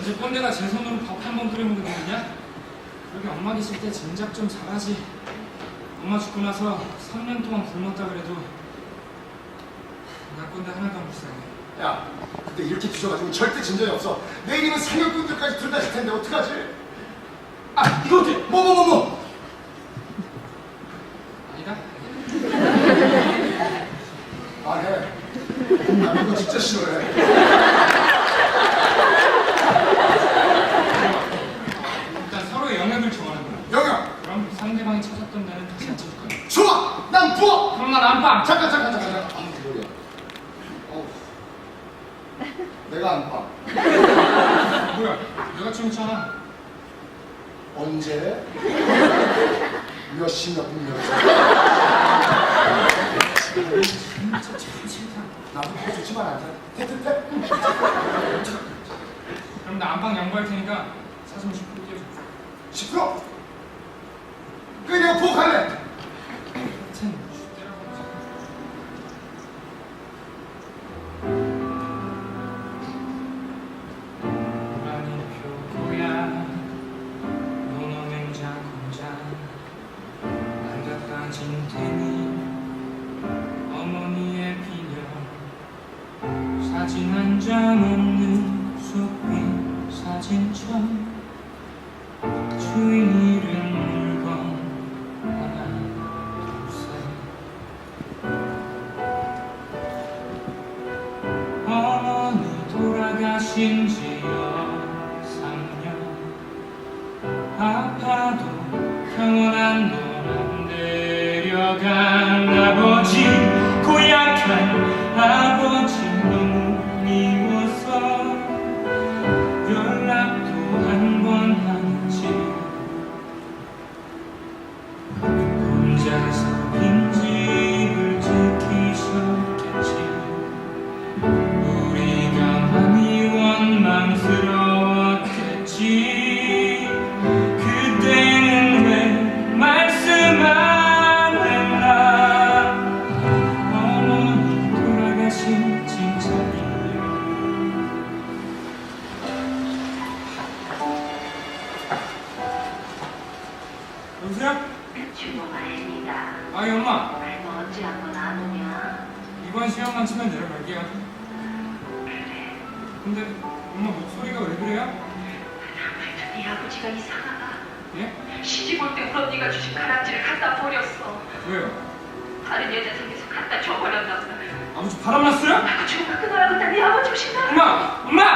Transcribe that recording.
이제 꼰대가 제 손으로 밥 한 번 끓여 먹게 되느냐? 여기 엄마 계실 때 진작 좀 잘하지. 엄마 죽고 나서 3년 동안 굶었다 그래도 나 꼰대 하나도 안 불쌍해. 야, 근데 이렇게 뒤져가지고 절대 진전이 없어. 내일이면 상여꾼들까지 들다칠 텐데 어떡하지? 아, 이거 어때? 뭐? 아니다? 말해. 나 이거 진짜 싫어해. 일단 서로의 영역을 정하는 거야. 영영, 그럼 상대방이 찾았던 데는 다시 안 찾을 거야. 좋아. 난 부어. 그럼 난 안방! 잠깐. 아, 뭐야? 어우, 내가 안 봐. 뭐야? 내가 찍었잖아. 언제? 몇 시 몇 분 몇 초? 진짜 참 싫다. 나도 그거 좋지만 않아. 태태태. 그럼 나 안방 양보할 테니까 사진 10분 띄워줘. 10%? 그래, 내가 부엌할래. 하여튼 때라고 하지. 고라니 표고야 논어 냉장 공장 안 닦아진 테니 어머니의 비녀 사진 한 장 없는 속빈 사진첩 주인 이름 물건 하나 둘셋 어머니 돌아가신 지 3년 아파도 병원 한 번 안 데려간 아버지 고약한 아버지 너무 미워서 연락도 한 번 하지 혼자서 빈집을 지키셨겠지 우리가 많이 원망스러웠겠지 그때는 왜 말씀 안 했나 어머니 돌아가신 칭찬이요 여보세요? 주모가입니다. 아이 엄마 뭐 언제 한번 안 오냐? 이번 시험만 치면 내려갈게요 그래. 근데 엄마 목소리가 왜 그래요? 네 아버지가 이상하다. 예? 시집 올 때 우리 언니가 주신 가락지를 갖다 버렸어. 왜요? 다른 여자 생겨서 갖다 줘버렸나 보다. 아버지 바람났어요? 그 죽음을 끊어야겠다. 네 아버지 오신다. 엄마! 엄마!